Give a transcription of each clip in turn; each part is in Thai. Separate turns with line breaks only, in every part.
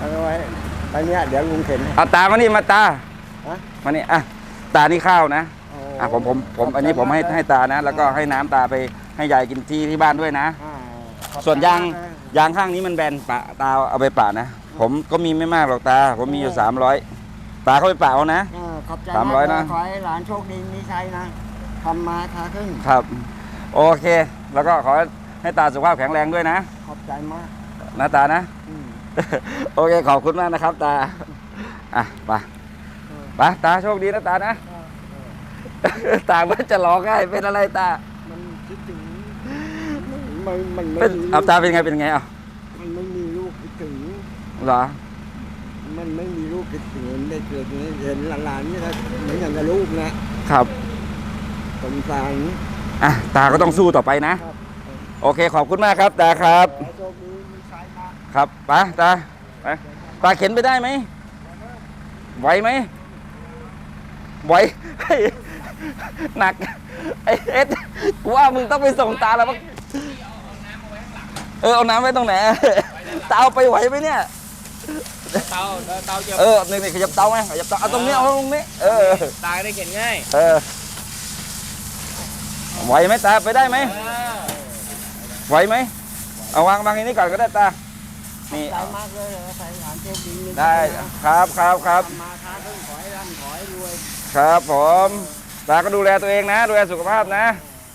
เอาไว้ไปเนี้ยเดี๋ยวลุงเข็น
เอาตามานี่มาตามานี่อ่ะตานี่ข้าวนะผมอันนี้ผมให้ตานะแล้วก็ให้น้ำตาไปให้ยายกินที่บ้านด้วยนะส่วนยางข้างนี้มันแบนปะตาเอาไปปะนะผมก็มีไม่มากหรอกตาผมมีอยู่300ตาเขาไปปะเอานะ
ขอบใจ
300นะ
ขอให้หลานโชคดีมีชัยนะทำมาค้าขึ้น
ครับโอเคแล้วก็ขอให้ตาสุขภาพแข็งแรงด้วยนะ
ขอบใจมาก
นะตานะโอเคขอบคุณมากนะครับตาอ่ะไปตาโชคดีนะตานะตาว่าจะร้องไห้เป็นอะไรตา
มันคิดถึงมัน
เป็นเอาตาเป็นไงอ่ะ
มันไม่มีลูกคิดถึง
เหรอ
มันไม่มีลูกคิดถึงได้เกิดเห็นหลานนี่ก็เหมือนอย่างกับลูกนะครับสงสาร
อ่ะตาก็ต้องสู้ต่อไปนะโอเคขอบคุณมากครับตาครับครับไปตาเข็นไปได้ไหมไหวไหมไหวหนักไอเอสกูว่ามึงต้องไปส่งตาแล้วมั้งเอาน้ำไว้ตรงไหนตาเอาไปไหวไหมเนี่ย
เตา
นี่ขยับเตาไหมขยับเตาเอาตรงนี้เอาตรงนี้
ตาได้เข็นง่าย
ไหวไหมตาไปได้ไหมไหวไหมเอาวางอันนี้ก่อนก็ได้ตานี่
มากเลยใส่หลานโชคดี
ได้ครับ
มาค้าขึ้นขอให้ร่ำขอให้รวย
ครับผมตาก็ดูแลตัวเองนะดูแลสุขภาพนะ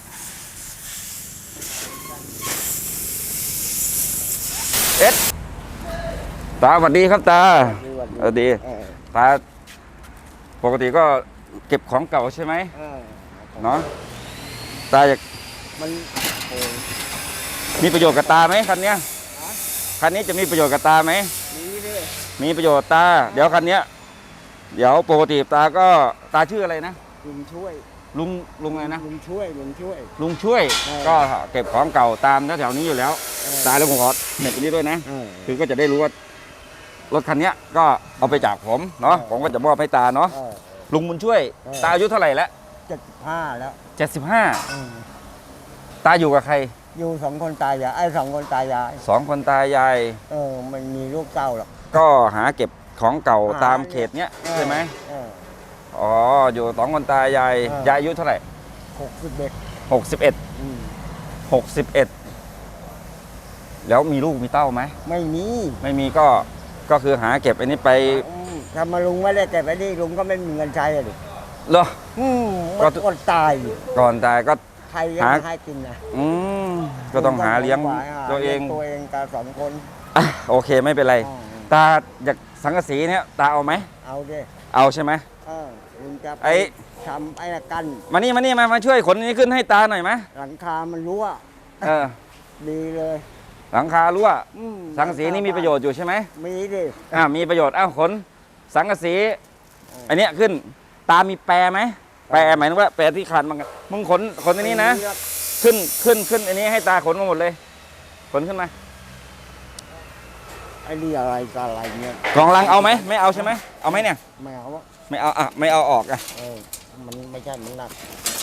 เอ็ดตาสวัสดีครับตาสวัสดีตาปกติก็เก็บของเก่าใช่ไหมเนาะตาอยาก
มัน
มีประโยชน์กับตาไหมคันนี้จะมีประโยชน์กับตาไหมมีประโยชน์ตาเดี๋ยวคันนี้เดี๋ยวปกติตาก็ตาชื่ออะไรนะ
ลุงช่วย
ลุงอะไรนะ
ลุงช่วย
ก็เก็บของเก่าตามแถวนี้อยู่แล้วตาแล้วผมขอเน็ตไปนี้ด้วยนะคือก็จะได้รู้ว่ารถคันนี้ก็เอาไปจากผมเนาะผมก็จะมอบให้ตาเนาะลุงบุญช่วยตาอายุเท่าไหร่แล้ว
75แล้ว
75ตาอยู่กับใคร
อยู่2 คนตายาย2 คนตายาย
2 คนตายาย
มันมีลูกเต้าหรอก
ก็หาเก็บของเก่าตามเขตเนี้ยใช่ไหมอ๋ออยู่2 คนตายายอายุเท่าไหร่61แล้วมีลูกมีเต้าไหม
ไม่
มีก็คือหาเก็บอันนี้ไป
ทำมาลุงไม่ได้เก็บไว้นี่ลุงก็ไม่มีเงินใช้เลย
เหรอ
ก็ตาย
ก่อนตายก็
ใครยังให้กินนะ
ก็ต้องหาเลี้ยงตัวเอง
กับ2 คน
โอเคไม่เป็นไรตาอยากสังกะสีเนี่ยตาเอาไหม
เอาดิ
เอาใช่ไหม
ลุงจะทำไอ้กัน
มานี่มาช่วยขนนี้ขึ้นให้ตาหน่อยไหม
หลังคามันรั่วดีเลย
หลังคารั่วสังกะสีนี่มีประโยชน์อยู่ใช่ไหม
มีดิ
มีประโยชน์ขนสังกะสีอันนี้ขึ้นตามีแปรไหมแปรหมายถึงว่าแปรที่ขาดมึงขนอันนี้นะขึ้นอันนี้ให้ตาขนมาหมดเลยขนขึ้นมา
ไอ้นี่อะไรกับอะไรเนี่ย
กล่องลังเอาไหมไม่เอาใช่ไหมเอาไหมเนี่ย
ไม่เอา
ไม่เอาออก
มันไม่ใช่มันหนัก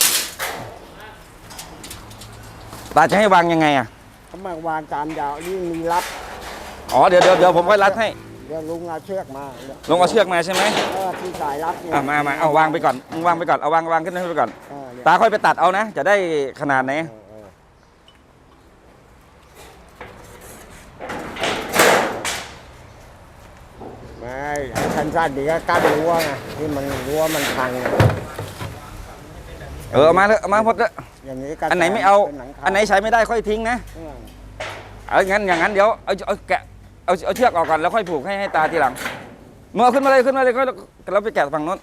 ตาจะให้วางยังไง
เขามาวางตามยาวนี่มีรัด
เดี๋ยวผมค่อยรัดให้
เดี๋ยวลุงเอาเชือกมา
ใช่ไหม
ที่สายรัดเนี่ย
มาเอาวางไปก่อนมึงวางไปก่อนเอาวางขึ้นไปก่อนตาค่อยไปตัดเอานะจะได้ขนาดไหน
ไม่สั้นๆดีก็กั้นรั้วไงที่มันรั้วมันพัง
เอามาหมดเลย
อย่างนี้
อันไหนไม่เอาอันไหนใช้ไม่ได้ค่อยทิ้งนะอย่างนั้นเดี๋ยวเอาแกะเอาเชือกออกก่อนแล้วค่อยผูกให้ตาทีหลังเมื่อขึ้นมาเลยก็เราไปแกะฝั่งโน้น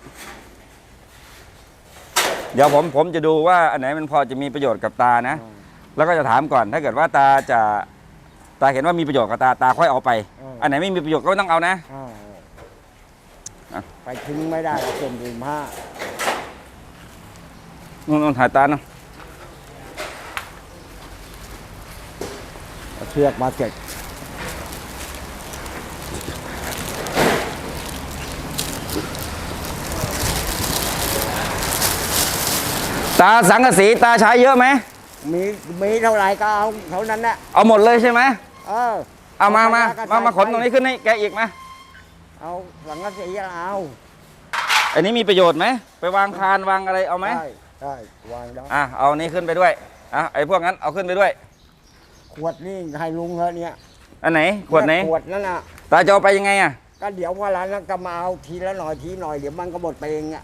เดี๋ยวผมจะดูว่าอันไหนมันพอจะมีประโยชน์กับตานะแล้วก็จะถามก่อนถ้าเกิดว่าตาเห็นว่ามีประโยชน์กับตาค่อยเอาไปอันไหนไม่มีประโยชน์ก็ไม่ต้องเอานะ
ไปทิ้งไม่ได้เก็บถุงผ้า
นู่นถ่ายตาเนาะ
เชือกมาเก็บ
ตาสังกะสีตาใช้เยอะไหม
มีเท่าไหร่ก็เอาเท่านั้นแหละ
เอาหมดเลยใช่ไหม
เอา
มาขนตรงนี้ขึ้นให้แกอีกมา
เอาสังกะสีเอา
อันนี้มีประโยชน์ไหมไปวางคานวางอะไรเอาไหม
ได้วางได้
เอานี้ขึ้นไปด้วยไอ้พวกนั้นเอาขึ้นไปด้วย
ขวดนี่ให้ลุงเถอะเนี่ย
อันไหนขวดไหน
ขวดนั่นน่ะ
ตาจะเอาไปยังไงอ่ะ
ก็เดี๋ยวพอร้านนั้นก็มาเอาทีละหน่อยทีหน่อยเดี๋ยวมันก็หมดไปเองอ่ะ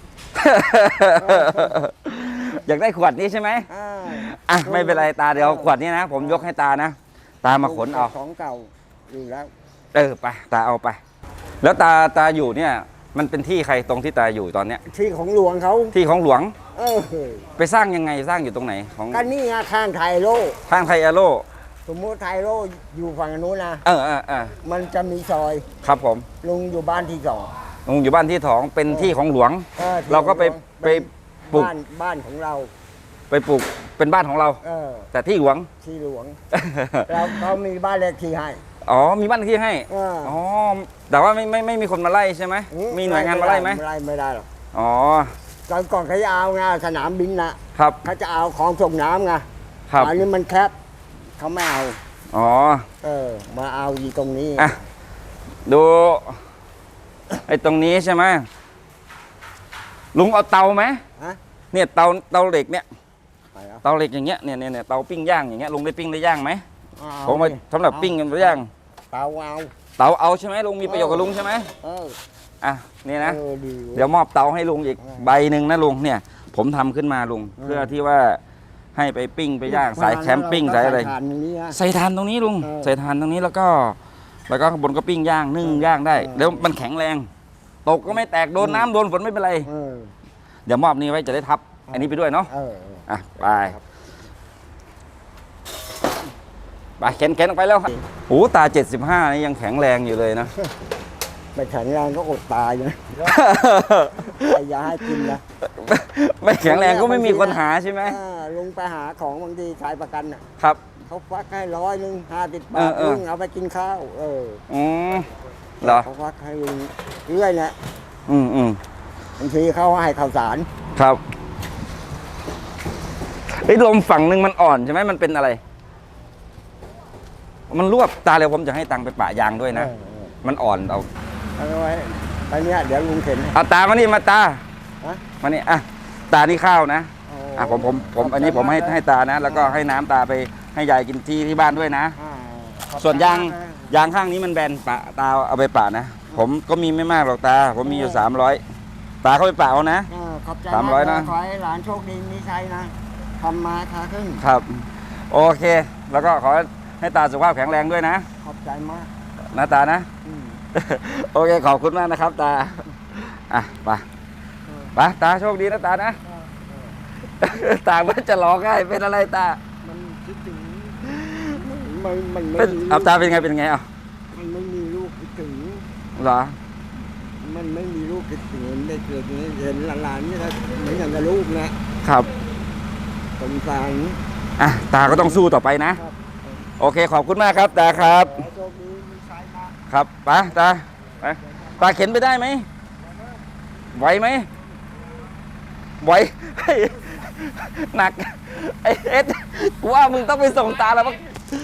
อยากได้ขวดนี้ใช่ไหม ไม่เป็นไรตาเดี๋ยวขวดนี้นะผมยกให้ตานะตามาขนเอา
ของเก่าอยู่แล้ว
ไปตาเอาไป แล้วตาอยู่เนี่ยมันเป็นที่ใครตรงที่ตาอยู่ตอนเนี้ย
ที่ของหลวงเขา
ที่ของหลวง
เออ
ไปสร้างยังไงสร้างอยู่ตรงไหนของ
ก็นี่ไงข้างไทยโล
ทางไทยอาโล
สมมติไทยโลอยู่ฝั่งนู้นนะ มันจะมีซอย
ครับผม
ลุงอยู่บ้านที่สอง
ลุงอยู่บ้านที่2เป็นที่ของหลวง
ที่
เราก็ไป
ของหลวง
ไปปลูก
บ้านของเรา
ไปปลูกเป็นบ้านของเรา แต่ที่หลวง
ที่หลวงเราเขามีบ้านเลขที่ให้
มีบ้านที่ให้แต่ว่าไม่มีคนมาไล่ใช่ไหมมีหน่วยงานมาไล่ไหม
ไม่ได้หรอก ก่อนเขาจะเอาไงสนามบินนะครับ เขาจะเอาของส่งน้ำไง
ครับ
อันนี้มันแคบเขาไม่เอา มาเอาอยู่ตรงนี้
ดูไอ้ตรงนี้ใช่ไหมลุงเอาเตาไหม
ฮะ
เนี่ยเตาเหล็กเนี่ย
ไปแล้ว
เตาเหล็กอย่างเงี้ยเนี่ยเตาปิ้งย่างอย่างเงี้ยลุงได้ปิ้งได้ย่างไหม
เอา
ผมมา
ดิ
สำหรับปิ้งกันไปย่าง
เตาเอา
เตาเอาใช่ไหมลุงมีประโยชน์กับลุงใช่ไหม นี่นะ
ดี
เดี๋ยวมอบเตาให้ลุงอีกใบหนึ่งนะลุงเนี่ย ผมทำขึ้นมาลุงเพื่อที่ว่าให้ไปปิ้งไปย่างสายแคมปิ้งสายอะไร
ถ่านตรงนี้นะ
ใส่ถ่านตรงนี้ลุงใส่ถ่านตรงนี้แล้วก็ข้างบนก็ปิ้งย่างนึ่งย่างได้แล้วมันแข็งแรง ตกก็ไม่แตกโดนน้ำโดนฝนไม่เป็นไร เดี๋ยวมอบนี้ไว้จะได้ทับ อันนี้ไปด้วยเนาะไปเข็นออกไปแล้วครับโอ้ตา75นี่ยังแข็งแรงอยู่เลยนะ
ไม่แข็งแรงก็อดตายนะไอ้ยาให้กินนะ
ไม่แข็งแรงก็ไม่มีคนหาใช่ไหม
ลุงไปหาของบางทีขายประกันน่ะ
ครับ
เขาฟักให้100 50 บาทลุงเอาไปกินข้าว
เหรอ
เขาฟักให้ลุงเรื่อยนะ บางทีเขาให้ข้าวสาร
ครับลมฝั่งหนึ่งมันอ่อนใช่ไหมมันเป็นอะไร มันรวบตาเร็วผมจะให้ตังค์ไปปะยางด้วยนะมันอ่อนเอา
เอาไว้ไปเนี้ยเดี๋ยวลุงเข็นให้
เอาตามานี่มาตา
ฮะ
มานี่ตานี่ข้าวนะผมอันนี้ผมให้ตานะ แล้วก็ให้น้ำตาไปให้ยายกินที่บ้านด้วยนะ ส่วนยางข้างนี้มันแบนปะตาเอาไปปะนะผมก็มีไม่มากหรอกตาผมมีอยู่300ตาเข้าไปปะเอานะ
ขอบใจ
300 นะ
ขอให้หลานโชคดีมีชัยนะทำมาค้าขึ้น
ครับ โอเค แล้วก็ขอให้ตาสุขภาพแข็งแรงด้วยนะ
ขอบใจมาก
นะตานะ โอเคขอบคุณมากนะครับตาไปตาโชคดีนะตานะตามันจะร้องไห้เป็นอะไรตา
มันคิดถึงมัน
เอาตาเป็นไงมัน
ไม่มีลูกคิดถึง
เหรอ
มันไม่มีลูกคิดถึงได้เกิดอย่างนี้เห็นหลานๆนี่นะเหมือนอย่างกับลูกนะครับ สงสาร
ตาก็ต้องสู้ต่อไปนะ โอเคขอบคุณมากครับตาครับ
โชคดีมีชัยมาก
ครับไปตาเข็นไปได้ไหมไหวไหมไหวหนักไอ้เอ็ดกูว่ามึงต้องไปส่งตาแล้วมั้ง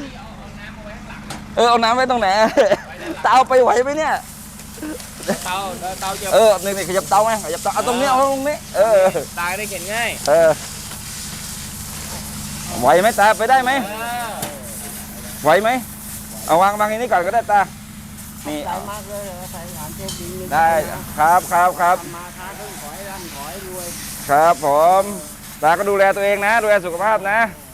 เอาน้ำไว้ตรงไหนตาเอาไปไหวไหมเนี่ย
เตาจะ
นี่ขยับเตาไหมขยับเตาเอาตรงนี้เอาตรงนี้
ตาได้เข็นง่าย
ไหวไหมตาไปได้ไหมไหวไหมเอาวางอย่างนี้ก่อนก็ได้ตานี่
ใจมากเลยใส่หลานโชคดีมีชัยนะ
ได้ครับ
ทำมาค้าขึ้นขอให้ร่ำขอให้รวย
ครับผมตาก็ดูแลตัวเองนะดูแลสุขภาพนะ
ค